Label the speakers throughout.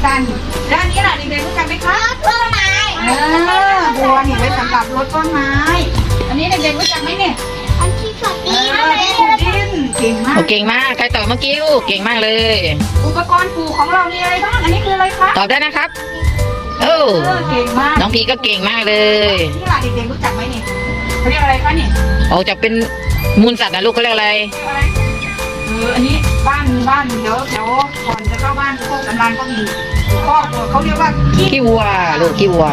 Speaker 1: กันด้านนี้ล่ะเด็กๆรู้จักไหมคะต้นไม้บัวนี่ไว้สำหรับรดต้นไม้อันนี้เด็กๆรู้จักไหมเนี่ยอันที่ฝักดินเก่งมาก
Speaker 2: เก่งมากใครตอบเมื่อกี้ลูกเก่งมากเลย
Speaker 1: อุปกรณ์ปลูกของเรามีอะไรบ้างอันนี้คืออะไรคะ
Speaker 2: ตอบได้นะครับ
Speaker 1: เก่งมาก
Speaker 2: น้องพีก็เก่งมากเลย
Speaker 1: นี่ล่ะเด็กๆรู้จักไหมนี่เขาเรียกอะไรคะนี่
Speaker 2: จะเป็นมูลสัตว์นะลูกเขาเรียกอะไร
Speaker 1: อันนี้บ้านเดี๋ยวก่อนจะเข้าบ้านพวกกำลังก็มีพ่อเขาเรียกว่า
Speaker 2: ขี้วัวลูกขี้วัว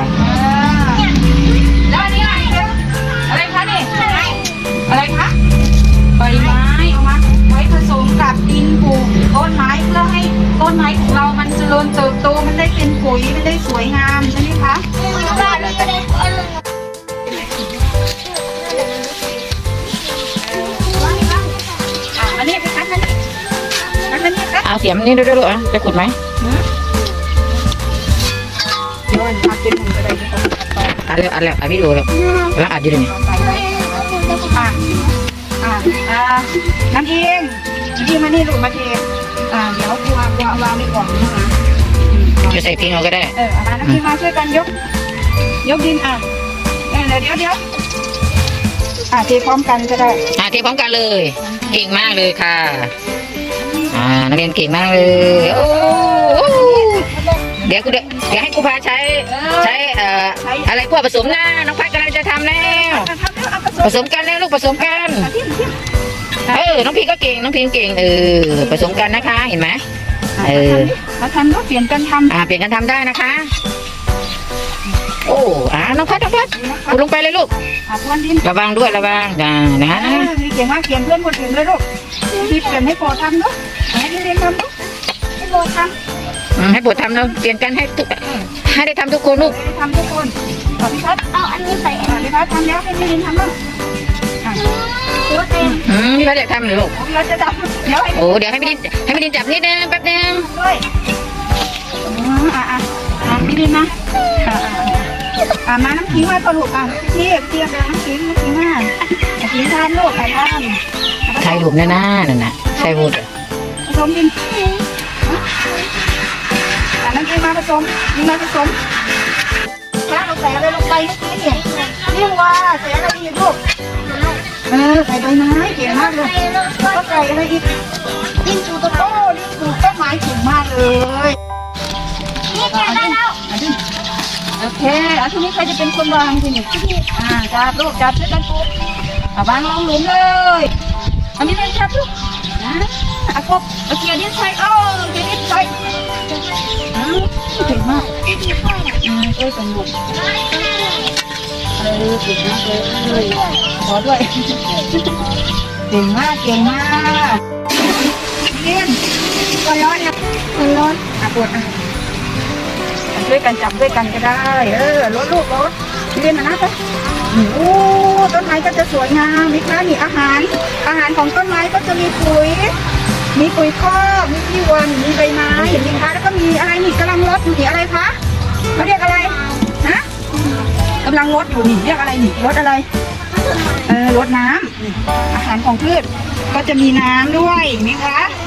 Speaker 1: แล้วอันนี้อะไรคะนี่อะไรคะใบไม้เอามาไว้ผสมกับดินปลูกต้นไม้เพื่อให้ต้นไม้ของเรามันเจริญเติบโตมันได้เป็นปุ๋ยมันได้สวยงามใช่ไหมคะอันนี้เป็นคันนี้ครับ
Speaker 2: เอาเสียมนี่ด้วยลูกจะขุดไหม
Speaker 1: ย้อนมาเป็นหุ่นกระไดที่ต้อง
Speaker 2: อัดแล้วพี่ดูแล้วอัดอยู่เลย
Speaker 1: น้ำเองมานี่ลูกมาเทเดี๋ยววางในกล่องนะคะ
Speaker 2: จะใส่ทิ้งเอาก็ได้
Speaker 1: น้ำเองมาช่วยกันยกดินเดี๋ยวเทพร้อมกันก็ได้
Speaker 2: เทพร้อมกันเลยเก่งมากเลยค่ะนักเรียนเก่งมากเลยโอ้เดี๋ยวให้ครูพาใช้อะไรพวกผสมหน้าน้องพัดกำลังจะทำแล้วผสมกันแล้วลูกผสมกันน้องพีก็เก่งน้องพีเก่งผสมกันนะคะเห็นไหม
Speaker 1: มาทำก็เปลี่ยนกันทำ
Speaker 2: เปลี่ยนกันทำได้นะคะโอ้น้องพัดขุดลงไปเลยลูกระวังด้วยระวังนะ
Speaker 1: เก่งมากเปลี่ยนเพื่อนคนอื่นเลยลูกที่เปลี่ยนให้โปรทำเนาะให้เรียนทำเนาะให้โปรทำ
Speaker 2: ให้โปรทำเนาะเปลี่ยนกันให้ได้ทำทุกคนลูก
Speaker 1: ทำทุกคนพี่พัดเอาอันนี้ใส่พี่พัดทำแล้วให้เรียนทำบ้าง
Speaker 2: พี่พัดอยากทำหรือลูก
Speaker 1: เราจะจับเ
Speaker 2: ดี๋ยวให้พี่ดินจับนิดนึงแป๊บนึง
Speaker 1: พี่ดินนะมาน้ำขิงไว้พอลูกเทียบน้ำขิงมาทานลูกทาน
Speaker 2: ใช่ลูกนั่นน่ะใช่ลูก
Speaker 1: ผสมดินน้ำขิงมาผสมถ้าเราใส่อะไรลงไปนี่ว่าใส่อะไรอีกลูกใส่ใบไม้เก่งมากเลยก็ใส่อะไรอีกดินสูตรโต้ต้นไม้เก่งมากเลย
Speaker 3: นี่เก่งแล้ว
Speaker 1: โอเคทีนี้ใครจะเป็นคนวางทีนี้จับลูกจับช่วยกันปุ๊บวางลงหลุมเลยอันนี้เลยจับลูกกบเกียร์ดิ้นใส่เกียร์ดิ้นใส่เก่งมากสนุกเก่งมากเลยขอด้วยเก่งมากเรียนก็ร้อนนะปวดช่วยกันจับด้วยกันก็ได้รถเรียนนะจ๊ะต้นไม้ก็จะสวยงามมีค่ะมีอาหารของต้นไม้ก็จะมีปุ๋ยคอกมีขี้วัวมีใบไม้เห็นไหมคะแล้วก็มีอะไรนี่กำลังรดอยู่นี่อะไรคะเขาเรียกอะไรนะกำลังรดอยู่นี่เรียกอะไรนี่รดอะไรรดน้ำอาหารของพืชก็จะมีน้ำด้วยมีคะ